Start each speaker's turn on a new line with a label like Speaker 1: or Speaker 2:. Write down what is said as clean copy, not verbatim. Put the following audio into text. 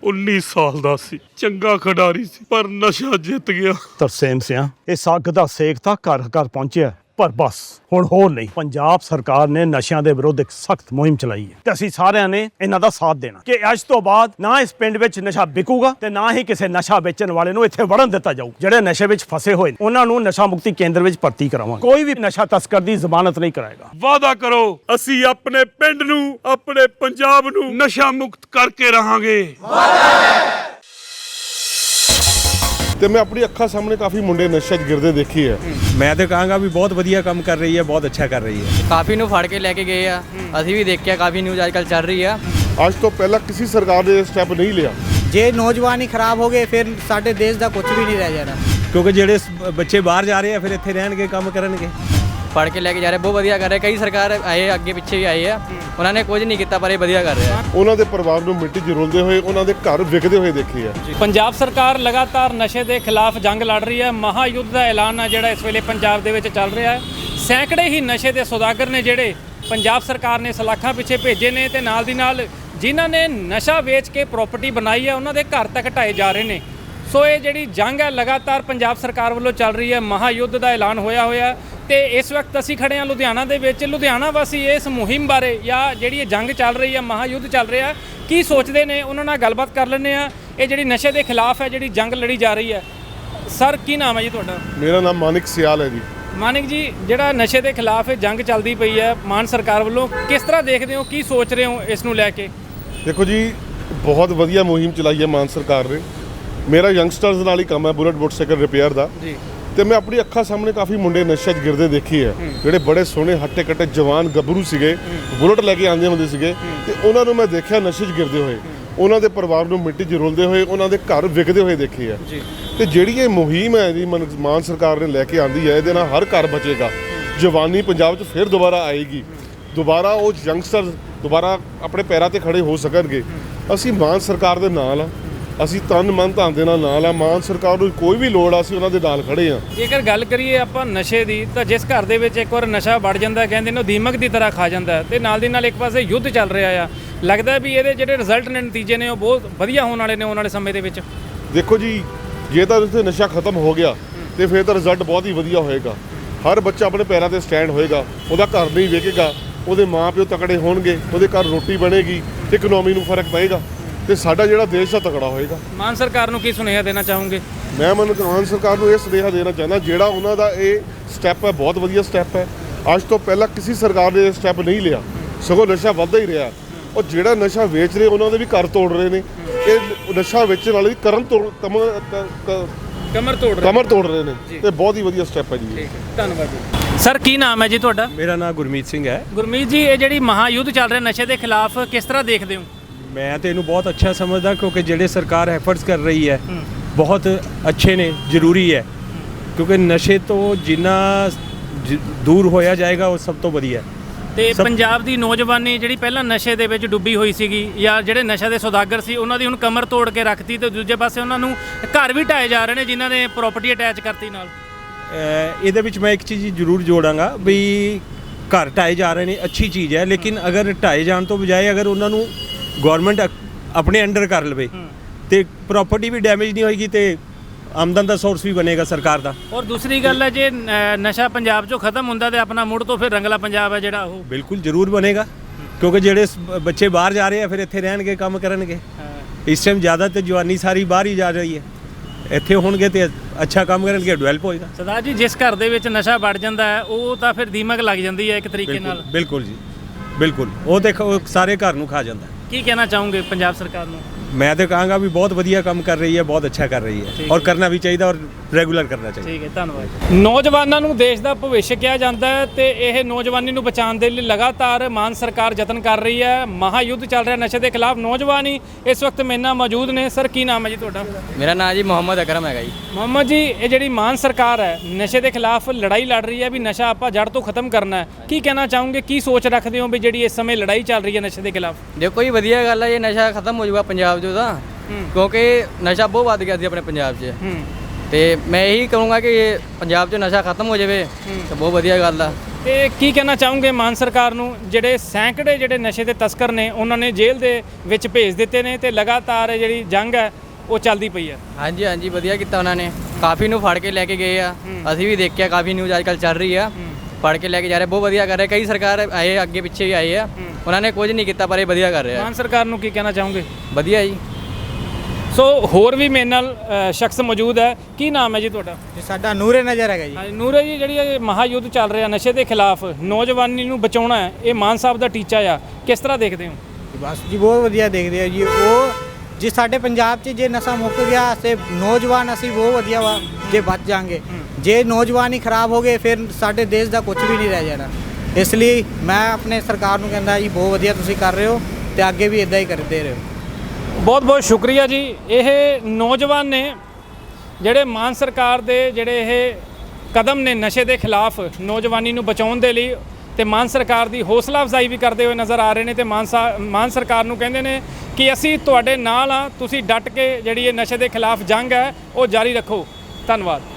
Speaker 1: 19 ਸਾਲ ਦਾ ਸੀ, ਚੰਗਾ ਖਿਡਾਰੀ ਸੀ, ਪਰ ਨਸ਼ਾ ਜਿੱਤ ਗਿਆ।
Speaker 2: ਤਰਸੇਮ ਸਿਆਂ ਇਸ ਅੱਗ ਦਾ ਸੇਕ ਤਾਂ ਘਰ ਘਰ ਪਹੁੰਚਿਆ, ਪਰ ਬਸ ਹੁਣ ਹੋਰ ਨਹੀਂ। ਪੰਜਾਬ ਸਰਕਾਰ ਨੇ ਨਸ਼ਿਆਂ ਦੇ ਵਿਰੁੱਧ ਇੱਕ ਸਖਤ ਮੁਹਿੰਮ ਚਲਾਈ ਹੈ ਤੇ ਅਸੀਂ ਸਾਰਿਆਂ ਨੇ ਇਹਨਾਂ ਦਾ ਸਾਥ ਦੇਣਾ ਕਿ ਅੱਜ ਤੋਂ ਬਾਅਦ ਨਾ ਇਸ ਪਿੰਡ ਵਿੱਚ ਨਸ਼ਾ ਵਿਕੂਗਾ ਤੇ ਨਾ ਹੀ ਕਿਸੇ ਨਸ਼ਾ ਵੇਚਣ ਵਾਲੇ ਨੂੰ ਇੱਥੇ ਵੜਨ ਦਿੱਤਾ ਜਾਊ। ਜਿਹੜੇ ਨਸ਼ੇ ਵਿੱਚ ਫਸੇ ਹੋਏ ਨੇ ਉਹਨਾਂ ਨੂੰ ਨਸ਼ਾ ਮੁਕਤੀ ਕੇਂਦਰ ਵਿੱਚ ਭਰਤੀ ਕਰਾਵਾਂਗੇ। ਕੋਈ ਵੀ ਨਸ਼ਾ ਤਸਕਰ ਦੀ ਜ਼ਮਾਨਤ ਨਹੀਂ ਕਰਾਏਗਾ।
Speaker 1: ਵਾਅਦਾ ਕਰੋ, ਅਸੀਂ ਆਪਣੇ ਪਿੰਡ ਨੂੰ, ਆਪਣੇ ਪੰਜਾਬ ਨੂੰ ਨਸ਼ਾ ਮੁਕਤ ਕਰਕੇ ਰਹਾਂਗੇ।
Speaker 3: ਤੇ ਮੈਂ ਆਪਣੀ ਅੱਖਾਂ ਸਾਹਮਣੇ ਕਾਫੀ ਮੁੰਡੇ ਨਸ਼ੇ 'ਚ ਗਿਰਦੇ ਦੇਖੀ ਹੈ।
Speaker 4: ਮੈਂ ਤਾਂ ਕਹਾਂਗਾ ਵੀ ਬਹੁਤ ਵਧੀਆ ਕੰਮ ਕਰ ਰਹੀ ਹੈ, ਬਹੁਤ ਅੱਛਾ ਕਰ ਰਹੀ ਹੈ।
Speaker 5: ਕਾਫੀ ਨੂੰ ਫੜ ਕੇ ਲੈ ਕੇ ਗਏ ਆ, ਅਸੀਂ ਵੀ ਦੇਖਿਆ ਕਾਫੀ ਨਿਊਜ਼ ਅੱਜ ਕੱਲ੍ਹ ਚੱਲ ਰਹੀ ਆ।
Speaker 3: ਅੱਜ ਤੋਂ ਪਹਿਲਾਂ ਕਿਸੇ ਸਰਕਾਰ ਨੇ ਇਹ ਸਟੈਪ ਨਹੀਂ ਲਿਆ।
Speaker 6: ਜੇ ਨੌਜਵਾਨ ਹੀ ਖਰਾਬ ਹੋ ਗਏ ਫਿਰ ਸਾਡੇ ਦੇਸ਼ ਦਾ ਕੁਝ ਵੀ ਨਹੀਂ ਰਹਿ ਜਾਣਾ।
Speaker 4: ਕਿਉਂਕਿ ਜਿਹੜੇ ਬੱਚੇ ਬਾਹਰ ਜਾ ਰਹੇ ਆ ਫਿਰ ਇੱਥੇ ਰਹਿਣਗੇ, ਕੰਮ ਕਰਨਗੇ।
Speaker 5: ਫੜ ਕੇ ਲੈ ਕੇ ਜਾ ਰਹੇ, ਬਹੁਤ ਵਧੀਆ ਕਰ ਰਹੇ। ਕਈ ਸਰਕਾਰ ਆਏ ਅੱਗੇ ਪਿੱਛੇ ਵੀ ਆਏ ਆ, ਉਹਨਾਂ ਨੇ ਕੁਝ ਨਹੀਂ ਕੀਤਾ, ਪਰ ਇਹ ਵਧੀਆ ਕਰ ਰਹੇ ਆ।
Speaker 3: ਉਹਨਾਂ ਦੇ ਪਰਿਵਾਰ ਨੂੰ ਮਿੱਟੀ 'ਚ ਰੁਲਦੇ ਹੋਏ, ਉਹਨਾਂ ਦੇ ਘਰ ਵਿਕਦੇ ਹੋਏ ਦੇਖੇ ਆ।
Speaker 7: ਪੰਜਾਬ ਸਰਕਾਰ ਲਗਾਤਾਰ ਨਸ਼ੇ ਦੇ ਖਿਲਾਫ ਜੰਗ ਲੜ ਰਹੀ ਹੈ। ਮਹਾਯੁੱਧ ਦਾ ਐਲਾਨ ਹੈ ਜਿਹੜਾ ਇਸ ਵੇਲੇ ਪੰਜਾਬ ਦੇ ਵਿੱਚ ਚੱਲ ਰਿਹਾ ਹੈ। ਸੈਂਕੜੇ ਹੀ ਨਸ਼ੇ ਦੇ ਸੌਦਾਗਰ ਨੇ ਜਿਹੜੇ ਪੰਜਾਬ ਸਰਕਾਰ ਨੇ ਸਲਾਖਾਂ ਪਿੱਛੇ ਭੇਜੇ ਨੇ ਤੇ ਨਾਲ ਦੀ ਨਾਲ ਜਿਨ੍ਹਾਂ ਨੇ ਨਸ਼ਾ ਵੇਚ ਕੇ ਪ੍ਰਾਪਰਟੀ ਬਣਾਈ ਹੈ ਉਹਨਾਂ ਦੇ ਘਰ ਤੱਕ ਢਾਏ ਜਾ ਰਹੇ ਨੇ। ਸੋ ਇਹ ਜਿਹੜੀ ਜੰਗ ਹੈ ਲਗਾਤਾਰ ਪੰਜਾਬ ਸਰਕਾਰ ਵੱਲੋਂ ਚੱਲ ਰਹੀ ਹੈ। ਮਹਾਯੁੱਧ ਦਾ ਐਲਾਨ ਹੋਇਆ ਤੇ ਇਸ ਵਕਤ ਅਸੀਂ ਖੜੇ ਹਾਂ ਲੁਧਿਆਣਾ ਦੇ ਵਿੱਚ। ਲੁਧਿਆਣਾ ਵਾਸੀ ਇਸ ਮੁਹਿੰਮ ਬਾਰੇ ਜਾਂ ਜਿਹੜੀ ਇਹ ਜੰਗ ਚੱਲ ਰਹੀ ਹੈ, ਮਹਾਯੁੱਧ ਚੱਲ ਰਿਹਾ, ਕੀ ਸੋਚਦੇ ਨੇ ਉਹਨਾਂ ਨਾਲ ਗੱਲਬਾਤ ਕਰ ਲੈਂਦੇ ਆ। ਇਹ ਜਿਹੜੀ ਨਸ਼ੇ ਦੇ ਖਿਲਾਫ ਹੈ ਜਿਹੜੀ ਜੰਗ ਲੜੀ ਜਾ ਰਹੀ ਹੈ। ਸਰ ਕੀ ਨਾਮ ਹੈ ਜੀ ਤੁਹਾਡਾ?
Speaker 3: ਮੇਰਾ ਨਾਮ ਮਾਨਿਕ ਸਿਆਲ ਹੈ ਜੀ।
Speaker 7: ਮਾਨਿਕ ਜੀ, ਜਿਹੜਾ ਨਸ਼ੇ ਦੇ ਖਿਲਾਫ ਇਹ ਜੰਗ ਚੱਲਦੀ ਪਈ ਹੈ ਮਾਨ ਸਰਕਾਰ ਵੱਲੋਂ, ਕਿਸ ਤਰ੍ਹਾਂ ਦੇਖਦੇ ਹੋ, ਕੀ ਸੋਚ ਰਹੇ ਹੋ ਇਸ ਨੂੰ ਲੈ ਕੇ?
Speaker 3: ਦੇਖੋ ਜੀ, ਬਹੁਤ ਵਧੀਆ ਮੁਹਿੰਮ ਚਲਾਈ ਹੈ ਮਾਨ ਸਰਕਾਰ ਨੇ। ਮੇਰਾ ਯੰਗਸਟਰਸ ਨਾਲ ਹੀ ਕੰਮ ਹੈ, ਬੁਲਟ ਮੋਟਰਸਾਈਕਲ ਰਿਪੇਅਰ ਦਾ
Speaker 7: ਜੀ।
Speaker 3: ਤੇ ਮੈਂ ਆਪਣੀ ਅੱਖਾਂ ਸਾਹਮਣੇ ਕਾਫੀ ਮੁੰਡੇ ਨਸ਼ੇ 'ਚ ਗਿਰਦੇ ਦੇਖੀ ਹੈ। ਜਿਹੜੇ ਬੜੇ ਸੋਹਣੇ ਹੱਟੇ ਕੱਟੇ ਜਵਾਨ ਗੱਭਰੂ ਸੀਗੇ, ਬੁਲਟ ਲੈ ਕੇ ਆਉਂਦੇ ਹੁੰਦੇ ਸੀਗੇ ਤੇ ਉਹਨਾਂ ਨੂੰ ਮੈਂ ਦੇਖਿਆ ਨਸ਼ੇ 'ਚ ਗਿਰਦੇ ਹੋਏ, ਉਹਨਾਂ ਦੇ ਪਰਿਵਾਰ ਨੂੰ ਮਿੱਟੀ 'ਚ ਰੁਲਦੇ ਹੋਏ, ਉਹਨਾਂ ਦੇ ਘਰ ਵਿਕਦੇ ਹੋਏ ਦੇਖੇ ਆ। ਤੇ ਜਿਹੜੀ ਇਹ ਮੁਹਿੰਮ ਹੈ ਜੀ ਮਾਨ ਸਰਕਾਰ ਨੇ ਲੈ ਕੇ ਆਂਦੀ ਹੈ, ਇਹਦੇ ਨਾਲ ਹਰ ਘਰ ਬਚੇਗਾ। ਜਵਾਨੀ ਪੰਜਾਬ 'ਚ ਫਿਰ ਦੁਬਾਰਾ ਆਏਗੀ। ਦੁਬਾਰਾ ਉਹ ਯੰਗਸਟਰ ਦੁਬਾਰਾ ਆਪਣੇ ਪੈਰਾਂ ਤੇ ਖੜੇ ਹੋ ਸਕਣਗੇ। ਅਸੀਂ ਮਾਨ ਸਰਕਾਰ ਦੇ ਨਾਲ ਆ, ਅਸੀਂ ਤਨ ਮਨ ਧਨ ਦੇ ਨਾਲ ਆ। ਮਾਨ ਸਰਕਾਰ ਨੂੰ ਕੋਈ ਵੀ ਲੋੜ ਆ, ਅਸੀਂ ਉਹਨਾਂ ਦੇ ਨਾਲ ਖੜੇ ਆ।
Speaker 7: ਜੇਕਰ ਗੱਲ ਕਰੀਏ ਆਪਾਂ ਨਸ਼ੇ ਦੀ, ਤਾਂ ਜਿਸ ਘਰ ਦੇ ਵਿੱਚ ਇੱਕ ਵਾਰ ਨਸ਼ਾ ਵੜ ਜਾਂਦਾ, ਕਹਿੰਦੇ ਨੇ ਉਹ ਦੀਮਕ ਦੀ ਤਰ੍ਹਾਂ ਖਾ ਜਾਂਦਾ ਤੇ ਨਾਲ ਦੀ ਨਾਲ ਇੱਕ ਪਾਸੇ ਯੁੱਧ ਚੱਲ ਰਿਹਾ ਆ। ਲੱਗਦਾ ਵੀ ਇਹਦੇ ਜਿਹੜੇ ਰਿਜ਼ਲਟ ਨੇ, ਨਤੀਜੇ ਨੇ, ਉਹ ਬਹੁਤ ਵਧੀਆ ਹੋਣ ਵਾਲੇ ਨੇ ਆਉਣ ਵਾਲੇ ਸਮੇਂ ਦੇ ਵਿੱਚ।
Speaker 3: ਦੇਖੋ ਜੀ, ਜੇ ਤਾਂ ਉੱਥੇ ਨਸ਼ਾ ਖਤਮ ਹੋ ਗਿਆ ਤੇ ਫਿਰ ਤਾਂ ਰਿਜ਼ਲਟ ਬਹੁਤ ਹੀ ਵਧੀਆ ਹੋਏਗਾ। ਹਰ ਬੱਚਾ ਆਪਣੇ ਪੈਰਾਂ ਤੇ ਸਟੈਂਡ ਹੋਏਗਾ, ਉਹਦਾ ਘਰ ਨਹੀਂ ਵੇਖੇਗਾ, ਉਹਦੇ ਮਾਂ ਪਿਓ ਤਕੜੇ ਹੋਣਗੇ, ਉਹਦੇ ਘਰ ਰੋਟੀ ਬਣੇਗੀ, ਇਕਨੋਮੀ ਨੂੰ ਫਰਕ ਪਏਗਾ ਤੇ ਸਾਡਾ ਜਿਹੜਾ ਦੇਸ਼ ਆ ਤਕੜਾ ਹੋਏਗਾ।
Speaker 7: ਮਾਨ ਸਰਕਾਰ ਨੂੰ ਕੀ ਸੁਨੇਹਾ ਦੇਣਾ ਚਾਹੋਗੇ?
Speaker 3: ਮੈਂ ਮਾਨ ਸਰਕਾਰ ਨੂੰ ਇਹ ਸੁਨੇਹਾ ਦੇਣਾ ਚਾਹੁੰਦਾ, ਜਿਹੜਾ ਉਹਨਾਂ ਦਾ ਇਹ ਸਟੈਪ ਹੈ ਬਹੁਤ ਵਧੀਆ ਸਟੈਪ ਹੈ। ਅੱਜ ਤੋਂ ਪਹਿਲਾਂ ਕਿਸੇ ਸਰਕਾਰ ਨੇ ਇਹ ਸਟੈਪ ਨਹੀਂ ਲਿਆ, ਸਗੋਂ ਨਸ਼ਾ ਵੱਧਦਾ ਹੀ ਰਿਹਾ। ਉਹ ਜਿਹੜਾ ਨਸ਼ਾ ਵੇਚ ਰਹੇ ਉਹਨਾਂ ਦੇ ਵੀ ਘਰ ਤੋੜ ਰਹੇ ਨੇ। ਇਹ ਨਸ਼ਾ ਵੇਚਣ ਵਾਲੇ ਦੀ ਕਮਰ ਤੋੜ ਰਹੇ ਨੇ ਤੇ ਬਹੁਤ ਹੀ ਵਧੀਆ ਸਟੈਪ ਹੈ ਜੀ।
Speaker 7: ਧੰਨਵਾਦ ਜੀ। ਸਰ ਕੀ ਨਾਮ ਹੈ ਜੀ ਤੁਹਾਡਾ?
Speaker 4: ਮੇਰਾ ਨਾਮ ਗੁਰਮੀਤ ਸਿੰਘ ਹੈ।
Speaker 7: ਗੁਰਮੀਤ ਜੀ, ਇਹ ਜਿਹੜੀ ਮਹਾਯੁੱਧ ਚੱਲ ਰਿਹਾ ਨਸ਼ੇ ਦੇ ਖਿਲਾਫ, ਕਿਸ ਤਰ੍ਹਾਂ ਦੇਖਦੇ ਹੋ?
Speaker 4: ਮੈਂ ਤਾਂ ਇਹਨੂੰ ਬਹੁਤ ਅੱਛਾ ਸਮਝਦਾ, ਕਿਉਂਕਿ ਜਿਹੜੇ ਸਰਕਾਰ ਐਫਰਟਸ ਕਰ ਰਹੀ ਹੈ ਬਹੁਤ ਅੱਛੇ ਨੇ, ਜ਼ਰੂਰੀ ਹੈ। ਕਿਉਂਕਿ ਨਸ਼ੇ ਤੋਂ ਜਿੰਨਾ ਦੂਰ ਹੋਇਆ ਜਾਏਗਾ ਉਹ ਸਭ ਤੋਂ ਵਧੀਆ।
Speaker 7: ਤੇ ਪੰਜਾਬ ਦੀ ਨੌਜਵਾਨੀ ਜਿਹੜੀ ਪਹਿਲਾਂ ਨਸ਼ੇ ਦੇ ਵਿੱਚ ਡੁੱਬੀ ਹੋਈ ਸੀਗੀ, ਜਾਂ ਜਿਹੜੇ ਨਸ਼ੇ ਦੇ ਸੌਦਾਗਰ ਸੀ ਉਹਨਾਂ ਦੀ ਹੁਣ ਕਮਰ ਤੋੜ ਕੇ ਰੱਖਤੀ, ਤੇ ਦੂਜੇ ਪਾਸੇ ਉਹਨਾਂ ਨੂੰ ਘਰ ਵੀ ਢਾਏ ਜਾ ਰਹੇ ਨੇ ਜਿਨ੍ਹਾਂ ਨੇ ਪ੍ਰਾਪਰਟੀ ਅਟੈਚ ਕਰਤੀ ਨਾਲ।
Speaker 4: ਇਹਦੇ ਵਿੱਚ ਮੈਂ ਇੱਕ ਚੀਜ਼ ਜ਼ਰੂਰ ਜੋੜਾਂਗਾ ਵੀ ਘਰ ਢਾਏ ਜਾ ਰਹੇ ਨੇ, ਅੱਛੀ ਚੀਜ਼ ਹੈ, ਲੇਕਿਨ ਅਗਰ ਢਾਏ ਜਾਣ ਤੋਂ ਬਜਾਏ ਅਗਰ ਉਹਨਾਂ ਨੂੰ ਗਵਰਨਮੈਂਟ ਆਪਣੇ ਅੰਡਰ ਕਰ ਲਵੇ ਤੇ ਪ੍ਰਾਪਰਟੀ ਵੀ ਡੈਮੇਜ ਨਹੀਂ ਹੋਏਗੀ ਤੇ ਆਮਦਨ ਦਾ ਸੋਰਸ ਵੀ ਬਣੇਗਾ ਸਰਕਾਰ ਦਾ।
Speaker 7: ਔਰ ਦੂਸਰੀ ਗੱਲ ਹੈ, ਜੇ ਨਸ਼ਾ ਪੰਜਾਬ 'ਚੋਂ ਖਤਮ ਹੁੰਦਾ ਤੇ ਆਪਣਾ ਮੁੜ ਤੋਂ ਫਿਰ ਰੰਗਲਾ ਪੰਜਾਬ ਹੈ ਜਿਹੜਾ, ਉਹ
Speaker 4: ਬਿਲਕੁਲ ਜ਼ਰੂਰ ਬਣੇਗਾ। ਕਿਉਂਕਿ ਜਿਹੜੇ ਬੱਚੇ ਬਾਹਰ ਜਾ ਰਹੇ ਆ ਫਿਰ ਇੱਥੇ ਰਹਿਣਗੇ, ਕੰਮ ਕਰਨਗੇ। ਇਸ ਟਾਈਮ ਜ਼ਿਆਦਾ ਤੇ ਜਵਾਨੀ ਸਾਰੀ ਬਾਹਰ ਹੀ ਜਾ ਰਹੀ ਹੈ, ਇੱਥੇ ਹੋਣਗੇ ਤੇ ਅੱਛਾ ਕੰਮ ਕਰਨਗੇ, ਡਿਵੈਲਪ ਹੋਏਗਾ।
Speaker 7: ਸਰਦਾਰ ਜੀ, ਜਿਸ ਘਰ ਦੇ ਵਿੱਚ ਨਸ਼ਾ ਵੜ ਜਾਂਦਾ ਹੈ ਉਹ ਤਾਂ ਫਿਰ ਦੀਮਕ ਲੱਗ ਜਾਂਦੀ ਹੈ ਇੱਕ ਤਰੀਕੇ ਨਾਲ।
Speaker 4: ਬਿਲਕੁਲ ਜੀ, ਬਿਲਕੁਲ। ਉਹ ਦੇਖੋ ਸਾਰੇ ਘਰ ਨੂੰ ਖਾ ਜਾਂਦਾ।
Speaker 7: ਕੀ ਕਹਿਣਾ ਚਾਹੋਗੇ ਪੰਜਾਬ ਸਰਕਾਰ ਨੂੰ?
Speaker 4: ਮੈਂ ਤਾਂ ਕਹਾਂਗਾ ਵੀ ਬਹੁਤ ਵਧੀਆ ਕੰਮ ਕਰ ਰਹੀ ਹੈ, ਬਹੁਤ ਅੱਛਾ ਕਰ ਰਹੀ ਹੈ ਔਰ ਕਰਨਾ ਵੀ ਚਾਹੀਦਾ ਔਰ ਰੈਗੂਲਰ ਕਰਨਾ ਚਾਹੀਦਾ।
Speaker 7: ਠੀਕ ਹੈ, ਧੰਨਵਾਦ। ਨੌਜਵਾਨਾਂ ਨੂੰ ਦੇਸ਼ ਦਾ ਭਵਿੱਖ ਕਿਹਾ ਜਾਂਦਾ ਹੈ ਤੇ ਇਹ ਨੌਜਵਾਨੀ ਨੂੰ ਬਚਾਉਣ ਦੇ ਲਈ ਲਗਾਤਾਰ ਮਾਨ ਸਰਕਾਰ ਯਤਨ ਕਰ ਰਹੀ ਹੈ। ਮਹਾਯੁੱਧ ਚੱਲ ਰਿਹਾ ਨਸ਼ੇ ਦੇ ਖਿਲਾਫ। ਨੌਜਵਾਨ ਹੀ ਇਸ ਵਕਤ ਮੇਰੇ ਨਾਲ ਮੌਜੂਦ ਨੇ। ਸਰ ਕੀ ਨਾਮ ਹੈ ਜੀ ਤੁਹਾਡਾ?
Speaker 5: ਮੇਰਾ ਨਾਮ ਜੀ ਮੁਹੰਮਦ ਅਕਰਮ ਹੈਗਾ ਜੀ।
Speaker 7: ਮੁਹੰਮਦ ਜੀ, ਇਹ ਜਿਹੜੀ ਮਾਨ ਸਰਕਾਰ ਹੈ ਨਸ਼ੇ ਦੇ ਖਿਲਾਫ ਲੜਾਈ ਲੜ ਰਹੀ ਹੈ ਵੀ ਨਸ਼ਾ ਆਪਾਂ ਜੜ ਤੋਂ ਖਤਮ ਕਰਨਾ ਹੈ, ਕੀ ਕਹਿਣਾ ਚਾਹੋਗੇ? ਕੀ ਸੋਚ ਰੱਖਦੇ ਹੋ ਵੀ ਜਿਹੜੀ ਇਸ ਸਮੇਂ ਲੜਾਈ ਚੱਲ ਰਹੀ ਹੈ ਨਸ਼ੇ ਦੇ ਖਿਲਾਫ?
Speaker 5: ਦੇਖੋ ਜੀ, ਵਧੀਆ ਗੱਲ ਹੈ, ਇਹ ਨਸ਼ਾ ਖਤਮ ਹੋ ਜਾਊਗਾ ਪੰਜਾਬ 'ਚੋਂ ਤਾਂ, ਕਿਉਂਕਿ ਨਸ਼ਾ ਬਹੁਤ ਵੱਧ ਗਿਆ ਸੀ ਆਪਣੇ ਪੰਜਾਬ 'ਚ। ਤੇ ਮੈਂ ਇਹੀ ਕਹੂੰਗਾ ਕਿ ਪੰਜਾਬ 'ਚ ਨਸ਼ਾ ਖਤਮ ਹੋ ਜਾਵੇ ਤਾਂ ਬਹੁਤ ਵਧੀਆ ਗੱਲ ਆ।
Speaker 7: ਤੇ ਕੀ ਕਹਿਣਾ ਚਾਹੋਗੇ ਮਾਨ ਸਰਕਾਰ ਨੂੰ, ਜਿਹੜੇ ਸੈਂਕੜੇ ਜਿਹੜੇ ਨਸ਼ੇ ਦੇ ਤਸਕਰ ਨੇ ਉਹਨਾਂ ਨੇ ਜੇਲ੍ਹ ਦੇ ਵਿੱਚ ਭੇਜ ਦਿੱਤੇ ਨੇ ਤੇ ਲਗਾਤਾਰ ਜਿਹੜੀ ਜੰਗ ਹੈ ਉਹ ਚੱਲਦੀ ਪਈ ਹੈ?
Speaker 5: ਹਾਂਜੀ ਹਾਂਜੀ ਵਧੀਆ ਕੀਤਾ ਉਹਨਾਂ ਨੇ, ਕਾਫੀ ਨੂੰ ਫੜ ਕੇ ਲੈ ਕੇ ਗਏ ਆ। ਅਸੀਂ ਵੀ ਦੇਖਿਆ, ਕਾਫੀ ਨਿਊਜ਼ ਅੱਜ ਕੱਲ੍ਹ ਚੱਲ ਰਹੀ ਆ, ਫੜ ਕੇ ਲੈ ਕੇ ਜਾ ਰਹੇ, ਬਹੁਤ ਵਧੀਆ ਕਰ ਰਹੇ। ਕਈ ਸਰਕਾਰ ਆਏ ਅੱਗੇ ਪਿੱਛੇ ਵੀ ਆਏ ਆ, ਉਹਨਾਂ ਨੇ ਕੁਝ ਨਹੀਂ ਕੀਤਾ ਪਰ ਇਹ ਵਧੀਆ ਕਰ ਰਹੇ ਆ।
Speaker 7: ਮਾਨ ਸਰਕਾਰ ਨੂੰ ਕੀ ਕਹਿਣਾ ਚਾਹੋਗੇ?
Speaker 5: ਵਧੀਆ ਜੀ।
Speaker 7: ਸੋ ਹੋਰ ਵੀ ਮੇਰੇ ਨਾਲ ਸ਼ਖਸ ਮੌਜੂਦ ਹੈ। ਕੀ ਨਾਮ ਹੈ ਜੀ ਤੁਹਾਡਾ?
Speaker 6: ਜੀ ਸਾਡਾ ਨੂਰੇ ਨਜ਼ਰ ਹੈਗਾ ਜੀ।
Speaker 7: ਹਾਂਜੀ ਨੂਰੇ ਜੀ, ਜਿਹੜੀ ਇਹ ਮਹਾਯੁੱਧ ਚੱਲ ਰਿਹਾ ਨਸ਼ੇ ਦੇ ਖਿਲਾਫ, ਨੌਜਵਾਨੀ ਨੂੰ ਬਚਾਉਣਾ ਹੈ, ਇਹ ਮਾਨ ਸਾਹਿਬ ਦਾ ਟੀਚਾ ਆ, ਕਿਸ ਤਰ੍ਹਾਂ ਦੇਖਦੇ ਹੋ?
Speaker 6: ਬਸ ਜੀ ਬਹੁਤ ਵਧੀਆ ਦੇਖਦੇ ਆ ਜੀ। ਉਹ ਜੇ ਸਾਡੇ ਪੰਜਾਬ 'ਚ ਜੇ ਨਸ਼ਾ ਮੁੱਕ ਗਿਆ ਤੇ ਨੌਜਵਾਨ ਅਸੀਂ ਬਹੁਤ ਵਧੀਆ ਵਾ ਜੇ ਬਚ ਜਾਾਂਗੇ। ਜੇ ਨੌਜਵਾਨ ਹੀ ਖਰਾਬ ਹੋ ਗਏ ਫਿਰ ਸਾਡੇ ਦੇਸ਼ ਦਾ ਕੁਝ ਵੀ ਨਹੀਂ ਰਹਿ ਜਾਣਾ। ਇਸ ਲਈ ਮੈਂ ਆਪਣੇ ਸਰਕਾਰ ਨੂੰ ਕਹਿੰਦਾ ਜੀ ਬਹੁਤ ਵਧੀਆ ਤੁਸੀਂ ਕਰ ਰਹੇ ਹੋ ਤੇ ਅੱਗੇ ਵੀ ਇਦਾਂ ਹੀ ਕਰਦੇ ਰਹੋ।
Speaker 7: ਬਹੁਤ ਬਹੁਤ ਸ਼ੁਕਰੀਆ ਜੀ। ਇਹ ਨੌਜਵਾਨ ਨੇ ਜਿਹੜੇ ਮਾਨ ਸਰਕਾਰ ਦੇ ਜਿਹੜੇ ਇਹ ਕਦਮ ਨੇ ਨਸ਼ੇ ਦੇ ਖਿਲਾਫ ਨੌਜਵਾਨੀ ਨੂੰ ਬਚਾਉਣ ਦੇ ਲਈ, ਤੇ ਮਾਨ ਸਰਕਾਰ ਦੀ ਹੌਸਲਾ ਅਫਜ਼ਾਈ ਵੀ ਕਰਦੇ ਹੋਏ ਨਜ਼ਰ ਆ ਰਹੇ ਨੇ ਤੇ ਮਾਨ ਸਰਕਾਰ ਨੂੰ ਕਹਿੰਦੇ ਨੇ ਕਿ ਅਸੀਂ ਤੁਹਾਡੇ ਨਾਲ ਆ, ਤੁਸੀਂ ਡਟ ਕੇ ਜਿਹੜੀ ਇਹ ਨਸ਼ੇ ਦੇ ਖਿਲਾਫ ਜੰਗ ਹੈ ਉਹ ਜਾਰੀ ਰੱਖੋ। ਧੰਨਵਾਦ।